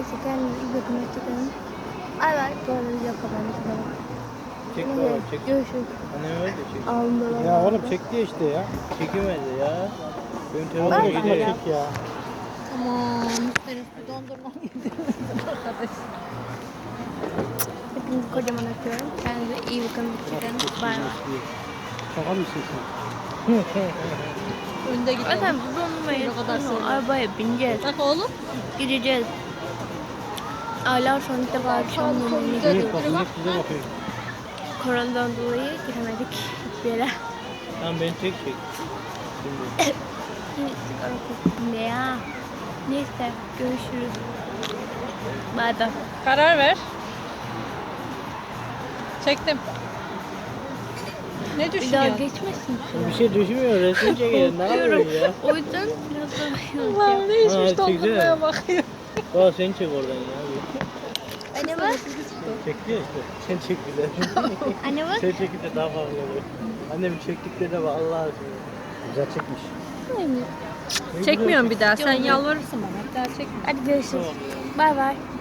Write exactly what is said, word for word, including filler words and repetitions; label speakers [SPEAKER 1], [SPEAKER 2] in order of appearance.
[SPEAKER 1] Neyse kendinize iyi bakın. Hoşçakalın. Ay bay. Bu arada video kapandı.
[SPEAKER 2] Çek
[SPEAKER 1] Neyse,
[SPEAKER 2] baba çek.
[SPEAKER 1] görüşürüz.
[SPEAKER 2] Anneme ver de çek.
[SPEAKER 1] Alnımda
[SPEAKER 3] Ya oğlum çekti ya işte ya.
[SPEAKER 2] Çekemedi ya. Benim
[SPEAKER 3] Oğlum
[SPEAKER 2] telefonu
[SPEAKER 1] Bay
[SPEAKER 3] şuna
[SPEAKER 1] bay.
[SPEAKER 2] gidiyor.
[SPEAKER 3] çek ya.
[SPEAKER 4] Aman senin bir dondurma yedirdiniz arkadaş.
[SPEAKER 1] Hepinizi kocaman öpüyorum. Kendinize iyi bakın. Hoşçakalın. Bay bay.
[SPEAKER 3] Şaka mısın sen?
[SPEAKER 4] Önde gidiyor.
[SPEAKER 1] Zaten bu dondurmayı
[SPEAKER 4] O kadar
[SPEAKER 1] sonra
[SPEAKER 4] sonra.
[SPEAKER 1] arabaya bineceğiz.
[SPEAKER 4] Bak oğlum.
[SPEAKER 1] Gideceğiz. Aylar sonra ilk defa akşam yemeğine
[SPEAKER 4] Güzel.
[SPEAKER 3] İnek bak, inek bize bakıyor.
[SPEAKER 1] Koronadan dolayı giremedik hiçbir yere.
[SPEAKER 2] Tamam beni çek çek. Şimdi.
[SPEAKER 1] Sigara koktum ya. Neyse görüşürüz. Bay bay.
[SPEAKER 4] Karar ver. Çektim. Ne
[SPEAKER 1] Bir daha
[SPEAKER 4] düşünüyorsun?
[SPEAKER 1] geçmesin.
[SPEAKER 2] Bir şey düşünmüyor. Resim çekelim. Ne yapıyorsun ya?
[SPEAKER 1] O yüzden biraz daha
[SPEAKER 4] Allah'ım ne içmiş
[SPEAKER 2] Ha,
[SPEAKER 4] dondurmaya
[SPEAKER 2] çekeceğim.
[SPEAKER 4] bakıyor.
[SPEAKER 2] Baba sen çek oradan ya.
[SPEAKER 1] Anne bak.
[SPEAKER 2] Çekti ya işte. Sen çek bir de.
[SPEAKER 1] Anne bak.
[SPEAKER 2] Sen çekince daha fazla olur. Annem çektiklerine bak Allah aşkına.
[SPEAKER 3] Güzel çekmiş.
[SPEAKER 2] Ne
[SPEAKER 4] Çekmiyorum bir daha. Sen
[SPEAKER 1] Yok.
[SPEAKER 4] yalvarırsın bana. Bir daha çekme.
[SPEAKER 1] Hadi görüşürüz. Bay bay.